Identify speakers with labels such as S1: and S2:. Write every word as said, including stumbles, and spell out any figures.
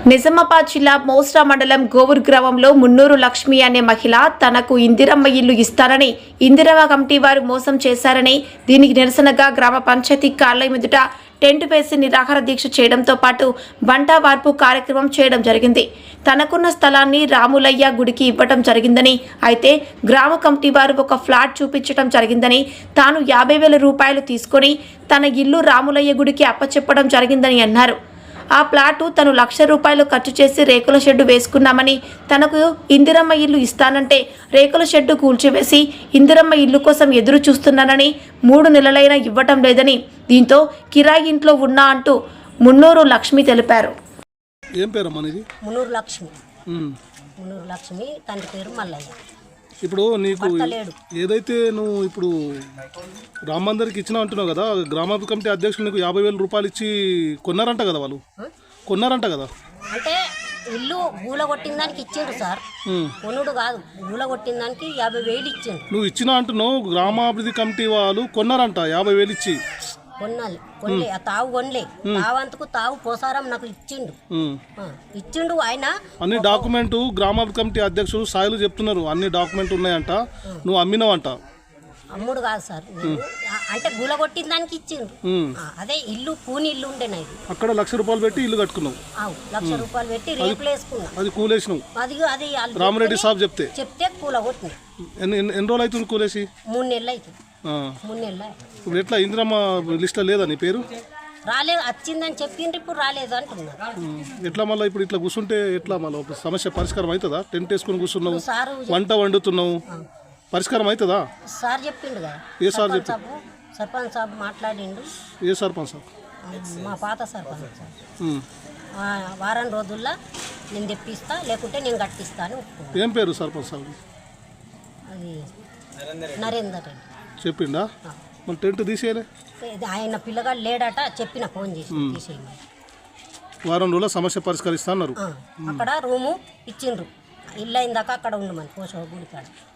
S1: నిజామాబాద్ జిల్లా మోస్రా మండలం గోవూర్ గ్రామంలో మున్నూరు లక్ష్మి అనే మహిళ తనకు ఇందిరమ్మ ఇల్లు ఇస్తారని ఇందిరమ్మ కమిటీ వారు మోసం చేశారని దీనికి నిరసనగా గ్రామ పంచాయతీ కార్యాలయం ఎదుట టెంట్ వేసి నిరాహార దీక్ష చేయడంతో పాటు బంటా వార్పు కార్యక్రమం చేయడం జరిగింది. తనకున్న స్థలాన్ని రాములయ్య గుడికి ఇవ్వడం జరిగిందని, అయితే గ్రామ కమిటీ వారు ఒక ఫ్లాట్ చూపించడం జరిగిందని, తాను యాభై వేల రూపాయలు తీసుకొని తన ఇల్లు రాములయ్య గుడికి అప్పచెప్పడం జరిగిందని అన్నారు. ఆ ప్లాటు తను లక్ష రూపాయలు ఖర్చు చేసి రేకుల షెడ్డు వేసుకున్నామని, తనకు ఇందిరమ్మ ఇల్లు ఇస్తానంటే రేకుల షెడ్డు కూల్చివేసి ఇందిరమ్మ ఇల్లు కోసం ఎదురు చూస్తున్నానని, మూడు నెలలైనా ఇవ్వటం లేదని, దీంతో కిరాయి ఇంట్లో ఉన్నా అంటూ మున్నూరు లక్ష్మి తెలిపారు.
S2: ఏం పేరు మనది?
S3: మున్నూరు లక్ష్మి. మున్నూరు లక్ష్మి తండ్రి పేరు మల్లయ్య.
S2: ఇప్పుడు నీకు ఏదైతే నువ్వు ఇప్పుడు రామ మందిర్కి ఇచ్చినా అంటున్నావు కదా, గ్రామ కమిటీ అధ్యక్షులు నీకు యాభై వేల రూపాయలు ఇచ్చి కొన్నారంట కదా, వాళ్ళు కొన్నారంట కదా?
S3: అంటే ఇల్లు గూల కొట్టిన దానికి ఇచ్చిండు సార్, కొనుడు కాదు, గూల కొట్టిన దానికి యాభై వేలు ఇచ్చిండు.
S2: నువ్వు ఇచ్చినా అంటున్నావు, గ్రామాభివృద్ధి కమిటీ వాళ్ళు కొన్నారంట యాభై వేలు ఇచ్చి.
S3: కొన్నాలి కొనలే, ఆ తావు కొనలే, తావంతకు తావు పోసారం నాకు ఇచ్చిండు ఇచ్చిండు ఆయన.
S2: అన్ని డాక్యుమెంట్ గ్రామాభివృద్ధి కమిటీ అధ్యక్షులు సాయిలు చెప్తున్నారు, అన్ని డాక్యుమెంట్ ఉన్నాయంట, నువ్వు అమ్మినవంట.
S3: అమ్ముడు కాదు సార్, అంటే గుల కొట్టిన దానికి ఇచ్చిండు. అదే ఇల్లు కూని ఇల్లు ఉండే నాది,
S2: అక్కడ లక్ష రూపాయలు పెట్టి ఇల్లు కట్టుకున్నావు.
S3: లక్ష రూపాయలు పెట్టి రేపులు వేసుకున్నావు,
S2: అది కూలేసినావు.
S3: అది అది
S2: రామరెడ్డి సాబ్ చెప్తే
S3: చెప్తే కూల కొట్టిన.
S2: ఎన్ని ఎన్ని రోజులు అవుతుంది కూలేసి?
S3: మూడు నెలలు అవుతుంది. మూడు నెలలు.
S2: ఇప్పుడు ఎట్లా ఇందిరమ్మ లిస్ట్లో లేదా నీ పేరు?
S3: రాలేదు, వచ్చిందని చెప్పిండ్రు, ఇప్పుడు రాలేదు అంటున్నారు.
S2: ఎట్లా మళ్ళీ ఇప్పుడు ఇట్లా కూర్చుంటే ఎట్లా మళ్ళీ సమస్య పరిష్కారం అవుతుందా? టెంట్ వేసుకుని కూర్చున్నావు, వంట వండుతున్నావు, పరిష్కారం అవుతుందా?
S3: సార్ చెప్పిండు కదా.
S2: ఏ సార్ చెప్పి?
S3: సర్పంచ్ సాబ్ మాట్లాడిండు.
S2: ఏ సర్పంచ్ సాబ్?
S3: మా పాత సర్పంచ్ సార్. వారం రోజుల్లో నేను తెప్పిస్తా, లేకుంటే నేను కట్టిస్తాను.
S2: ఏం పేరు సర్పంచ్ సాబ్?
S3: అది నరేందర్ రెడ్డి.
S2: చెప్పిండా? మన టెంట్ తీసేయలే,
S3: ఆయన పిల్లగాడు లేడట, చెప్పిన ఫోన్ చేసి తీసేయండి,
S2: వారం రోజుల సమస్య పరిష్కరిస్తా అన్నారు.
S3: అక్కడ రూము ఇచ్చిండ్రు, ఇల్లు అయిందాక అక్కడ ఉండమని పోషవ గుడి కాడ.